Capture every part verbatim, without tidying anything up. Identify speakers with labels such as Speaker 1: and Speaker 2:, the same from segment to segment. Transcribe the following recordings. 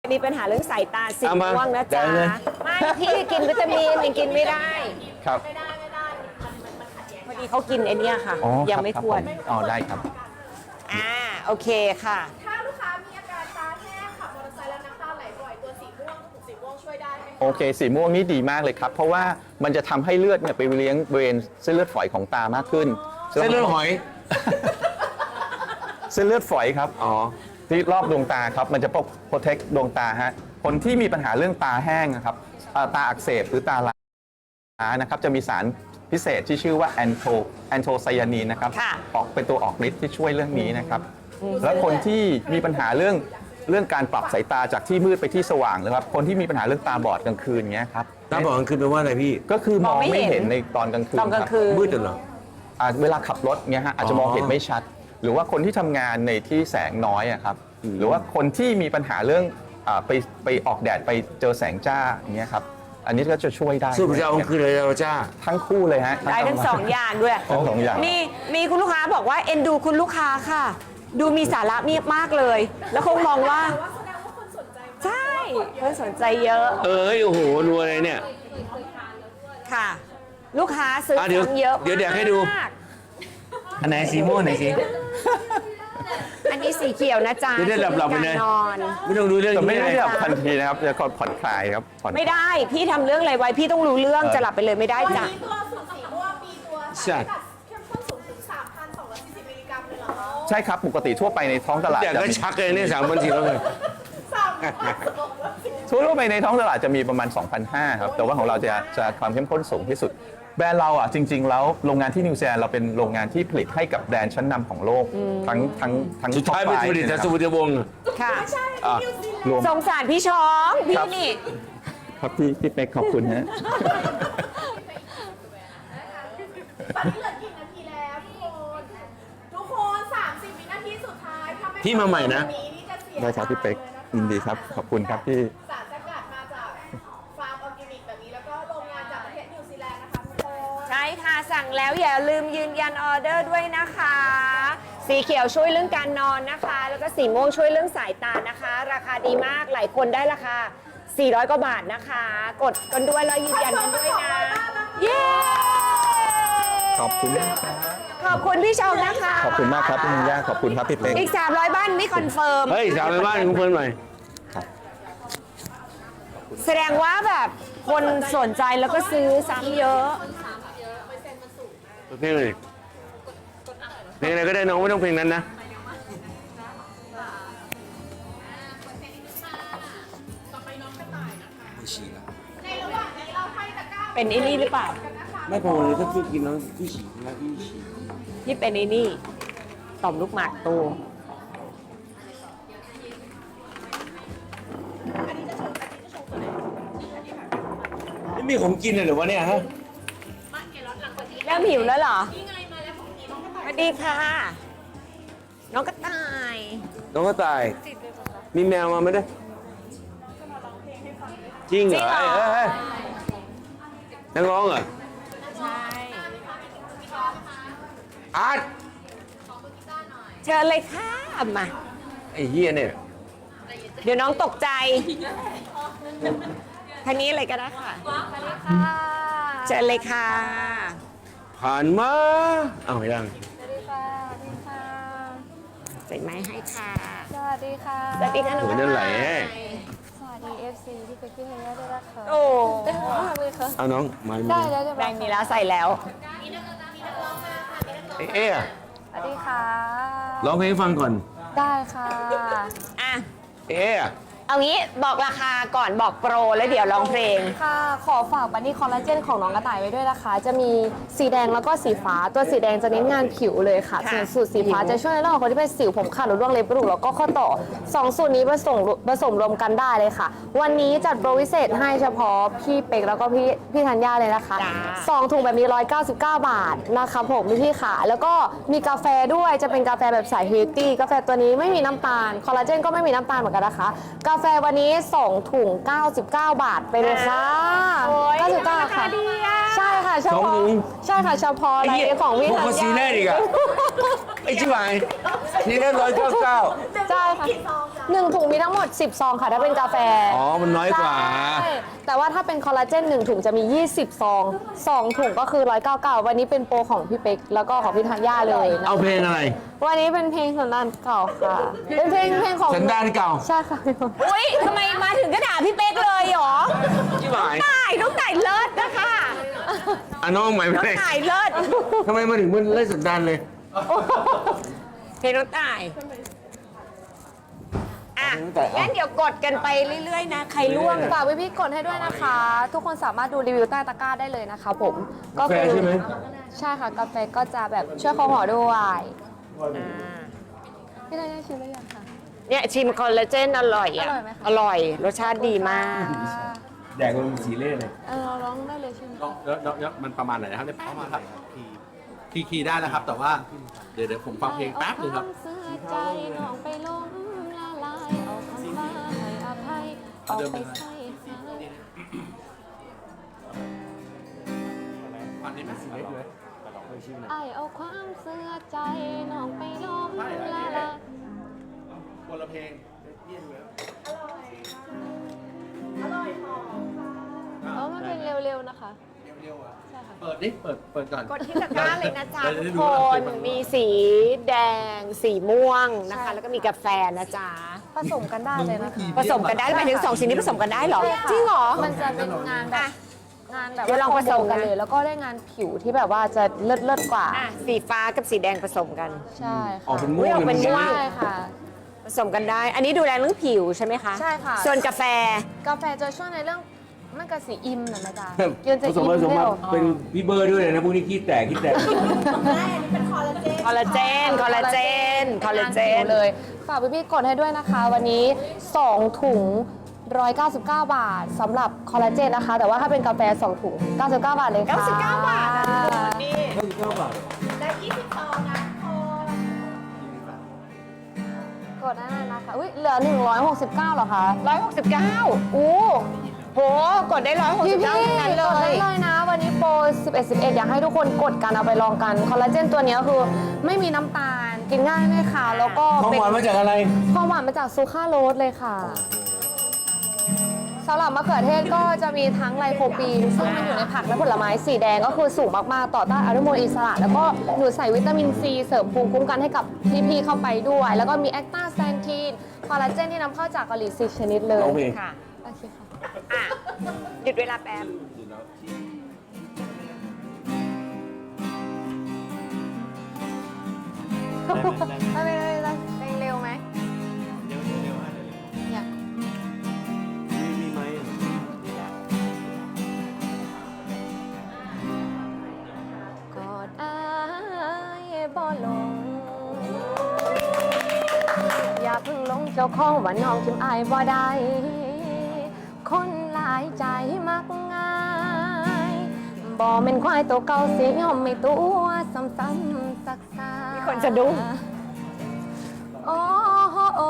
Speaker 1: มีปัญหาเรื่องสายตาสีม่วงนะจ๊ะไม่พี่กินวิตามินยังกินไม่ได้
Speaker 2: ครับ
Speaker 1: พอดีเขากินไอ้นี่ค่ะยังไม่ควร
Speaker 2: อ๋อได้ครับ
Speaker 1: อ่าโอเคค่ะ
Speaker 3: ถ้าลูกค้ามีอาการตาแห้งขับมอเตอร์ไซค์แล้วน้ำตาไหลบ่อยตัวสีม่วงถูกสีม่วงช่วยได้ไหม
Speaker 2: โอเคสีม่วงนี่ดีมากเลยครับเพราะว่ามันจะทำให้เลือดเนี่ยไปเลี้ยงบริเวณเส้นเลือดฝอยของตามากขึ้น
Speaker 4: เส้นเลือดหอย
Speaker 2: เส้นเลือดฝอยครับอ๋อที่รอบดวงตาครับมันจะปกโปรเทคดวงตาฮะคนที่มีปัญหาเรื่องตาแห้งนะครับตาอักเสบหรือตาล้านะครับจะมีสารพิเศษที่ชื่อว่าแอนโทแอนโทไซยานีนนะครับออกเป็นตัวออกฤทธิ์ที่ช่วยเรื่องนี้นะครับและคนที่มีปัญหาเรื่องเรื่องการปรับสายตาจากที่มืดไปที่สว่างนะครับคนที่มีปัญหาเรื่องตาบอดกลางคืนเงี้ยครับ
Speaker 4: ตาบอดกลางคืนแปลว่าอะไรพี่
Speaker 2: ก็คือมองไม่เห็นในตอนกลางคืน
Speaker 1: ตอนกลางคืน
Speaker 4: มืดเหรอ
Speaker 2: เวลาขับรถเงี้ยฮะอาจจะมองเห็นไม่ชัดหรือว่าคนที่ทำงานในที่แสงน้อยอะครับหรือว่าคนที่มีปัญหาเรื่องไปไปออกแดดไปเจอแสงจ้าอย่างเงี้ยครับอันนี้ก็จะช่วยได้
Speaker 4: สู้จะเอาคือเลยเราจ้า
Speaker 2: ทั้งคู่เลยฮะ
Speaker 1: ได้ทั้งสองอย่างด้วย
Speaker 2: ทั้งสองอย่าง
Speaker 1: มีมีคุณลูกค้าบอกว่าเอ็นดูคุณลูกค้าค่ะดูมีสาระมีมากเลยแล้วคงมองว่าใช่เพื่อนสนใจเยอะ
Speaker 4: เอ้ยโอ้โหรัวเลยเนี่ย
Speaker 1: ค่ะลูกค้าซื้อของเยอะ
Speaker 4: เดี๋ยวเดี๋ยวให้ดูอันไหนสีม่วงไหนสี
Speaker 1: อันนี้สีเขียวนะจ๊ะ
Speaker 4: ไม่ได้หลับหลับไปเลย
Speaker 1: นอน
Speaker 4: ไม่ต้องรู้เรื่อง
Speaker 2: ไม่ได้หลับทันทีนะครับจะผ่อนคลายครับ
Speaker 1: ไม่ได้พี่ทำเรื่องอะไรไว้พี่ต้องรู้เรื่องจะหลับไปเลยไม่ได้จ้ะ
Speaker 3: มีตัวสูตรสีม่วงมีตัวสารเข้มข้นสูงถึง สามพันสองร้อยสี่สิบ มิลลิกรัมเลยเหรอ
Speaker 2: ใช่ครับปกติทั่วไปในท้องตลาด
Speaker 4: แต่ก็ชักเลยเนี่ยสามพันสี่ร้อยเลย
Speaker 2: ทั่วไปในท้องตลาดจะมีประมาณ สองพันห้าร้อย ครับแต่ว่าของเราจะจะความเข้มข้นสูงที่สุดแบรนด์เราอ่ะจริงๆแล้วโรงงานที่นิวซีแลนด์เราเป็นโรงงานที่ผลิตให้กับแบรนด์ชั้นนำของโลกทั้งทั้งทั้ง
Speaker 4: สุดท้ายเป็นผลิตจากสุวรรณวงศ์
Speaker 1: ค่ะ
Speaker 2: รวม
Speaker 1: สงสารพี่ช้องพี่นี่
Speaker 2: ครับพี่พี่เป๊กขอบคุณฮะ
Speaker 3: ตอนนี้เหลือกี่นาทีแล้วทุกคนทุกคนสามสิบวินาทีสุดท้าย
Speaker 4: พี่มาใหม่นะ
Speaker 2: ได้ครับพี่เป๊กยินดีครับขอบคุณครับพี่
Speaker 3: สารสกัดมาจากฟาร์มออร์แกนิกแบบนี้แล้วก็โรงงานจากประเทศนิวซีแลนด์นะคะทุกคน
Speaker 1: ใช่ค่ะสั่งแล้วอย่าลืมยืนยันออเดอร์ด้วยนะคะสีเขียวช่วยเรื่องการนอนนะคะแล้วก็สีม่วงช่วยเรื่องสายตานะคะราคาดีมากหลายคนได้ราคาสี่ร้อยกว่าบาทนะคะกดกันด้วยแล้วยืนยันกันด้วยนะเย้
Speaker 2: ขอบคุณครับ
Speaker 1: ขอบคุณพี่ชมนะคะ
Speaker 2: ขอบคุณมากครับพี่มุงย่าขอบคุณครับพี่เป๊ก
Speaker 1: อีกสามร้อยบ้านนี่คอนเฟิร์ม
Speaker 4: เฮ้ยสามร้อยบ้านคุณเพิ่มหน่อย
Speaker 1: แสดงว่าแบบคนสนใจแล้วก็ซื้อซ้ำเยอะ
Speaker 4: เพลงเลยเพลงอะไรก็ได้น้องไม่ต้องเพลงนั้นนะ
Speaker 1: เป็นไอ้นี่หรือเปล่า
Speaker 4: ไม่พอเลยถ้าพี่กินแล้วพี่ฉี่นะพี่ฉี่
Speaker 1: ที่เป็นไอ้นี่ต่อมลูกหมากโต
Speaker 4: ไม่มีของกินเลยหรือวะเนี่ยฮะ
Speaker 1: เริ่มหิวแล้วเหรอสวัสดีค่ะน้องกระต่าย
Speaker 4: น้องกระต่ายมีแมวมาไหมด้วยจริงเหรอเฮ้ยนักร้องเหรอ
Speaker 1: ใช่
Speaker 4: อาร์ต
Speaker 1: เชิญเลยค่ะมา
Speaker 4: ไอ้เหี้ยเนี่ย
Speaker 1: เดี๋ยวน้องตกใจท่านี้เลยก็ได้ค่ะเชิญเลยค่ะ
Speaker 4: ผ่านมาเอาไม่ได้
Speaker 5: สวัสดีค่ะสวัสดีค่ะ
Speaker 1: ใส่ไม้ให้ค่ะ
Speaker 5: สวัสดีค่ะ
Speaker 1: สวัสดีค่ะหนู
Speaker 4: นั่นไหล
Speaker 5: สวัสดี เอฟ ซี ที่เป็นพี่เฮียด้วยนะคะ
Speaker 1: โอ้
Speaker 5: เต็มมากเลยค่ะ
Speaker 4: เอาน้องมา
Speaker 5: ได้แล้วจะ
Speaker 1: แบงมีแล้วใส่แล้ว
Speaker 4: เอ๊ะเอ๊ะ
Speaker 5: สวัสดีค่ะ
Speaker 4: ร้องเพลงให้ฟังก่อน
Speaker 5: ได้ค่ะ
Speaker 1: อ่ะ
Speaker 4: เอ๊ะ
Speaker 1: เอางี้บอกราคาก่อนบอกโปรแล้วเดี๋ยวร้องเพลง
Speaker 5: ค่ะขอฝากบันนี่คอลลาเจนของน้องกระต่ายไว้ด้วยนะคะจะมีสีแดงแล้วก็สีฟ้าตัวสีแดงจะเน้นงานผิวเลยค่ะส่วนสูตรสีฟ้าจะช่วยในเรื่องของคนที่เป็นสิวผมขาดหรือร่วงเล็บปรุแล้วก็ข้อต่อสองสูตรนี้ผสมผสมรวมกันได้เลยค่ะวันนี้จัดโปรพิเศษให้เฉพาะพี่เป็กแล้วก็พี่พี่ธัญญาเลยนะคะสองถุงแบบนี้หนึ่งร้อยเก้าสิบเก้าบาทนะคะผมพี่ค่ะแล้วก็มีกาแฟด้วยจะเป็นกาแฟแบบสายเฮลตี้กาแฟตัวนี้ไม่มีน้ำตาลคอลลาเจนก็ไม่มีน้ำตาลเหมือนกันนะคะกาแฟวันนี้สองถุงเก้าสิบเก้าบาทไปเลยค่ะเก้าสิบเก้าค่ะใช่ค่ะเฉพาะใช่ค่ะเฉพาะอะไรของวิทยา
Speaker 4: พวกซีเล่อีกอะไอ้ชิบหายซีเล่ร้อยเก้าเก้า
Speaker 5: ใช่ค่ะหนึ่งถุงมีทั้งหมดสิบซองค่ะถ้าเป็นกาแฟ
Speaker 4: อ๋อ มันน้อยกว่า
Speaker 5: ใช่แต่ว่าถ้าเป็นคอลลาเจนหนึ่งถุงจะมียี่สิบซองสองถุงก็คือหนึ่งร้อยเก้าสิบเก้าวันนี้เป็นโปรของพี่เป๊กแล้วก็ของพี่ธัญญาเลยนะ
Speaker 4: เอาเพลงอะไร
Speaker 5: วันนี้เป็นเพลงสันดานเก่าค่ะ เป็นเพลงเพลงของ
Speaker 4: สันดานเก่า
Speaker 5: ใช่ค่ะ
Speaker 1: อุ้ยทำไมมาถึงก็ด่าพี่เป๊กเลยเหรอ
Speaker 4: ที่หมาย
Speaker 1: ตายน้องตายเลิศนะคะ
Speaker 4: อ่ะน้องใหม่
Speaker 1: น้อง
Speaker 4: เพลง
Speaker 1: ตายเลิศ
Speaker 4: ทำไมมาถึงมันเล่นสันดานเลย
Speaker 1: เพลงน้องตายอ่ะ
Speaker 4: น้องตายเอางั้
Speaker 1: งั้นเดี๋ยวกดกันไปเรื่อยๆนะ ใครร่วง
Speaker 5: ฝากพี่ๆกดให้ด้วยนะคะ ทุกคนสามารถดูรีวิวใต้ตะกร้าได้เลยนะคะผม ก็
Speaker 4: กาแฟใช่ไหม
Speaker 5: ใช่ค่ะกาแฟก็จะแบบช่วยคอหอด้วยพี่ธัญญาชิมได้ยังคะ
Speaker 1: เนี่ยชิมคอลลาเจนอร่อยอ่ะ
Speaker 5: อร่อยไหมคะ
Speaker 1: อร่อย รสชาติดีมาก
Speaker 4: แดกมันสีเล่เลย
Speaker 5: เออเราร้องได้เลยใช่ไหม
Speaker 6: แล้วแล้วแล้วมันประมาณไหนนะครับเนี่ยประมาณครับคีย์คีย์ได้นะครับ แต่ว่าเดี๋ยวเดี๋ยวผมฟังเพลงแป๊บนึงครับ
Speaker 5: เอาวามเสียใจน้องไปล้มละลายเอาคำว่าให้อภัยเอาไปใส่หาย
Speaker 6: ฟังได้ไหม
Speaker 5: ไอเอาความเสียใจน้องไปล้มละลาย
Speaker 6: คนละเพลง
Speaker 3: อร่อยหอม
Speaker 5: เออมันเป็นเร็วๆนะคะ
Speaker 6: เร็วๆอ่ะ
Speaker 5: ใช่ค่ะ
Speaker 6: เปิดดิเปิดเปิดก่อน
Speaker 1: กดที่ตะกร้าเลยนะจ๊ะ
Speaker 6: เดี๋ยว
Speaker 1: ทุ
Speaker 6: ได้
Speaker 1: ก
Speaker 6: ดู
Speaker 1: ค
Speaker 6: ว่าเพล
Speaker 1: น
Speaker 6: งมัน
Speaker 1: มีสีแดง สีม่วงนะคะ
Speaker 5: ใช่
Speaker 1: แล้วก็มีกาแฟนะจ๊ะ
Speaker 5: ผสมกันได้เลยนะคะ
Speaker 1: ผสมกันได้หมายถึงสองสิ่งนี้ผสมกันได้เหรอ จริงเหรอ
Speaker 5: มันจะเป็นงานแบบ
Speaker 1: อ่ะ
Speaker 5: งานแบบ
Speaker 1: เดี๋ยวลองผสมกัน
Speaker 5: กันเลย แล้วก็ได้งานผิวที่แบบว่าจะเลิศเลิศๆกว่า
Speaker 1: อ่ะสีฟ้ากับสีแดงผสมกัน
Speaker 5: ใช่
Speaker 4: ออก
Speaker 5: ค่ะ
Speaker 4: เป็นม่วง
Speaker 1: อุ๊ยออกเป็นม่วง
Speaker 5: ใช่ค่ะ
Speaker 1: ผสมกันได้ อันนี้ดูแลเรื่องผิวใช่ไหมคะ
Speaker 5: ใช่ค่ะ
Speaker 1: ส่วนกาแฟ
Speaker 5: กาแฟจะช่วยในเรื่องมันกับสีอิ่มนะนะจ๊ะ
Speaker 4: ผ
Speaker 5: กินจะ
Speaker 4: สม
Speaker 5: อิ่ม
Speaker 4: ผสม
Speaker 5: เร็
Speaker 4: มาว เป็นพี่เบอร์ด้วยเลยนะพวกนี้ขี้แตกขี้แตก
Speaker 3: ได้อันนี้เป็นคอลลาเจน
Speaker 1: คอลลาเจน คอลลาเจน คอลลาเจน
Speaker 5: เลย ฝากพี่ๆกดให้ด้วยนะคะ วันนี้ สอง ถุง หนึ่งร้อยเก้าสิบเก้า บาทสำหรับคอลลาเจนนะคะ แต่ว่าถ้าเป็นกาแฟ สอง ถุง เก้าสิบเก้า บาทเลยค่ะ
Speaker 1: เก้าสิบเก้าบาทนะทุกคนนี่
Speaker 3: ได้ยี่สิบซองนะทุกคน
Speaker 5: กดได้เลยนะคะอุ้ยเหลือ หนึ่งร้อยหกสิบเก้าเหรอคะ
Speaker 1: ร้อยหกสิบเก้าอู้โห กดได้ร้อยหก
Speaker 5: พี่
Speaker 1: สิบ
Speaker 5: พี่
Speaker 1: เก้าทั้งนั้นเล
Speaker 5: กดได้
Speaker 1: ย
Speaker 5: เลยนะ วันนี้โปร สิบเอ็ด สิบเอ็ด อยากให้ทุกคนกดกันเอาไปลองกัน คอลลาเจนตัวเนี้ยคือไม่มีน้ำตาล กินง่ายไม่ขาวแล้วก็
Speaker 4: ของ
Speaker 5: เป็น
Speaker 4: หวานมาจากอะไร
Speaker 5: ความหวานมาจากซูคราโรสเลยค่ะสำหรับมะเขือเทศก็จะมีทั้งไลโคปีนซึ่งมันอยู่ในผักและผลไม้สีแดงก็คือสูงมาก ๆ ต่อต้านอนุมูลอิสระ แล้วก็หนูใส่วิตามินซีเสริมภูมิคุ้มกันให้กับพี่ๆเข้าไปด้วย แล้วก็มีแอคตาแซนทีนคอลลาเจนที่นำเข้าจากเกาหลีสิชนิดเลย
Speaker 4: ร้องเพลง
Speaker 1: ค่ะ
Speaker 5: โอเคค่ะ
Speaker 1: อ่ะ หยุดเวลาแป๊บ
Speaker 5: ไม่ไม่ไม่ไม่เพลงเร็วไหมอยากกอดอายบ่ลง อย่าเพิ่งหลงเจ้าของว่าน้องทิมอายบ่ได้ คนหลายใจมักง่ายบ่เป็นควายตัวเก่าเสียยอมไม่ตัวซ้ำๆซักซา
Speaker 1: มีคนสะดุ้ง
Speaker 5: โอ้โหโอ้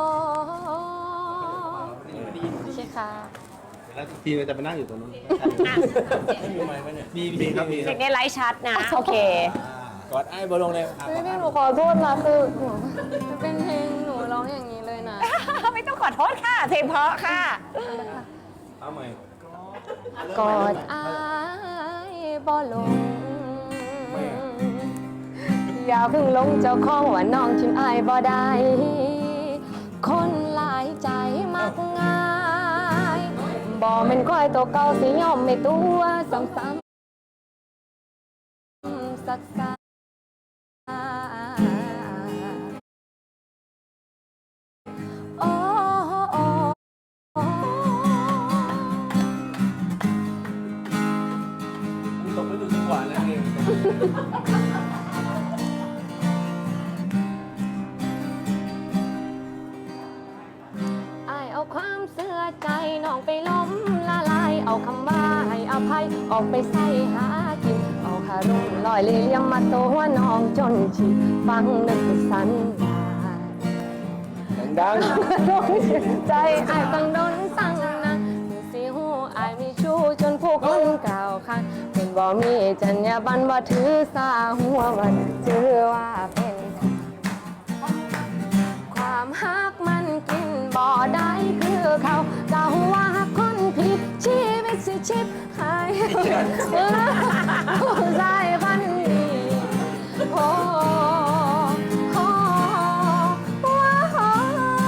Speaker 5: โอเคค่ะ
Speaker 6: แล้วทีเราจะไปนั่งอยู่ตรงนู้นมีมีครับมี
Speaker 1: เด็กในไลฟ์ชัดนะ โอเค
Speaker 6: กอดไอ้บอลลงเลยครับ
Speaker 5: พี่พี่หนูขอโทษนะคือหนูมันเป็นเพลงหนูร้องอย่างนี้เลยนะ
Speaker 1: ไม่ต้องขอโทษค่ะ เพลงเพราะค่ะ
Speaker 6: เอาใหม่
Speaker 5: กอดอายบ่ลง อย่าเพิ่งหลงเจ้าของว่าน้องทิมอายบ่ได้ คนหลายใจมักง่ายบ่แม่นควายตัวเก่าสิยอมไม่ตัวซ้ำๆซักซาโอ้โอ้โอ้
Speaker 6: ตกไปดูจังหวะแล้วเอง
Speaker 5: อายเอาความเสื่อใจน้องไปล้มละลาย เอาคำว่าให้อภัยออกไปใส่หากิน เอาคารุณลอยเลี้ยงมาตัวน้องจนชิฟังนึกสันดาน
Speaker 4: ดัง
Speaker 5: ใจอายตั้งดนตั้งนานสิหูอายมีชู้จนพวกมันกล่าวคันเป็นบ่มีจรรยาบรรณบ่ถือสาหัวมันถือว่าเป็นความฮักมันกินบบ่ได้คือเขาเจ้าว่าคนผิดชีวิตสิชิบหายผู้ชายพันนี้โอ้โอ้ว้าว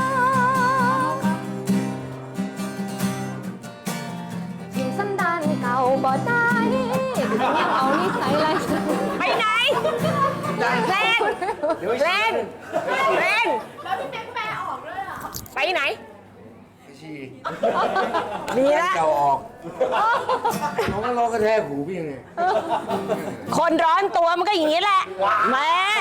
Speaker 5: ทิ้งสันดานเก่าบ่ได้ยังเอานิสัยไร
Speaker 1: ไปไหนเล่นเล่นเล่น
Speaker 3: แล้วพี่เป๊กแปลออกด้วยเหรอ
Speaker 1: ไปไหน
Speaker 4: ชี
Speaker 1: ดีละ
Speaker 4: เก่าออกน้องก็ร้องกระแทกหูพี่ยังไง
Speaker 1: คนร้อนตัวมันก็อย่างนี้แหละแม่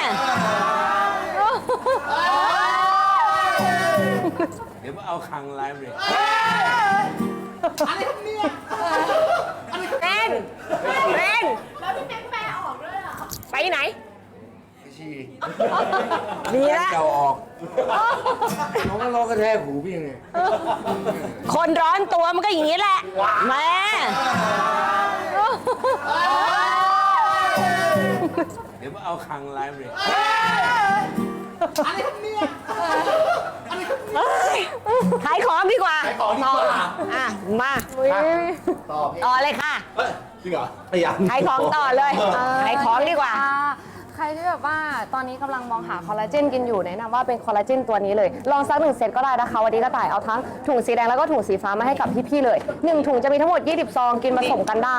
Speaker 4: เดี๋ยวมาเอาคังไลฟ์เลย
Speaker 3: อะไรครับเนี่ย
Speaker 1: เล่นเล่น
Speaker 3: แล้วพี่เป๊กแปลออกด้วยเหรอ
Speaker 1: ไปไหน
Speaker 4: ชี
Speaker 1: ดีละ
Speaker 4: เก่าออกน้องก็ร้องกระแทกหูพี่ยังไง
Speaker 1: คนร้อนตัวมันก็อย่างนี้แหละแม่
Speaker 4: เดี๋ยวมาเอาคังไลฟ์เลย
Speaker 3: อะไรครับเนี่ย
Speaker 1: ขายของดีกว่า
Speaker 6: ขายของดีกว่า
Speaker 1: อ่ะมา
Speaker 6: ต่อพี่
Speaker 1: ต่อเลยค่ะ
Speaker 6: เฮ้ยจริงเหรอพยายาม
Speaker 1: ขายของต่อเลยขายของดีกว่า
Speaker 5: ใครที่แบบว่าตอนนี้กำลังมองหาคอลลาเจนกินอยู่แนะนำว่าเป็นคอลลาเจนตัวนี้เลย ลองซักหนึ่งเซตก็ได้นะคะ วันนี้ก็ต่ายเอาทั้งถุงสีแดงแล้วก็ถุงสีฟ้ามาให้กับพี่ๆเลยหนึ่งถุงจะมีทั้งหมดยี่สิบซองกินผสมกันได้